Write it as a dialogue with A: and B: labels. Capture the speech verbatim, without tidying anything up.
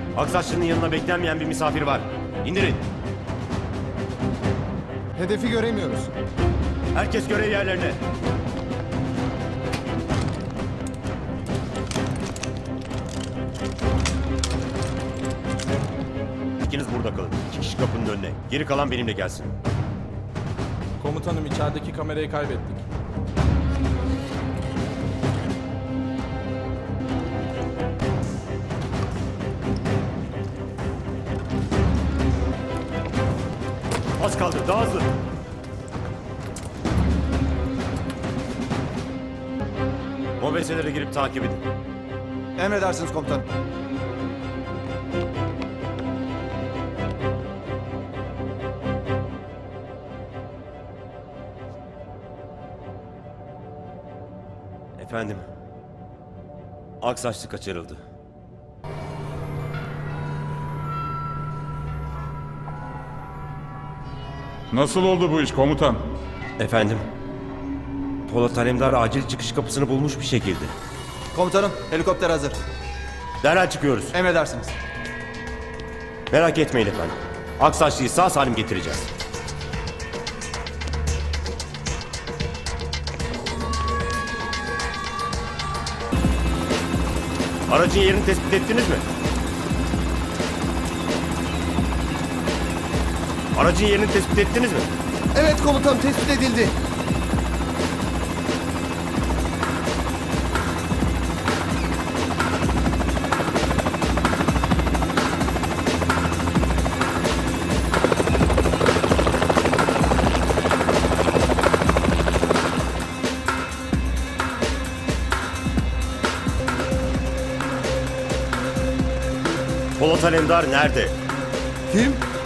A: Aksaçlı'nın yanına beklenmeyen bir misafir var. İndirin.
B: Hedefi göremiyoruz.
A: Herkes görev yerlerine. İkiniz burada kalın. İki kişi kapının önüne. Geri kalan benimle gelsin.
C: Komutanım içerideki kamerayı kaybettik.
A: Az kaldı. Daha hızlı. Mobeselere girip takip edin.
B: Emredersiniz komutanım.
A: Efendim. Aksaçlı kaçırıldı.
D: Nasıl oldu bu iş komutan?
A: Efendim. Polat Alemdar acil çıkış kapısını bulmuş bir şekilde.
B: Komutanım, helikopter hazır.
A: Derhal çıkıyoruz.
B: Emredersiniz.
A: Merak etmeyin efendim. Aksaçlı'yı sağ salim getireceğiz. Aracın yerini tespit ettiniz mi? Aracın yerini tespit ettiniz mi?
B: Evet komutanım, tespit edildi.
A: Polat Alemdar nerede?
B: Kim?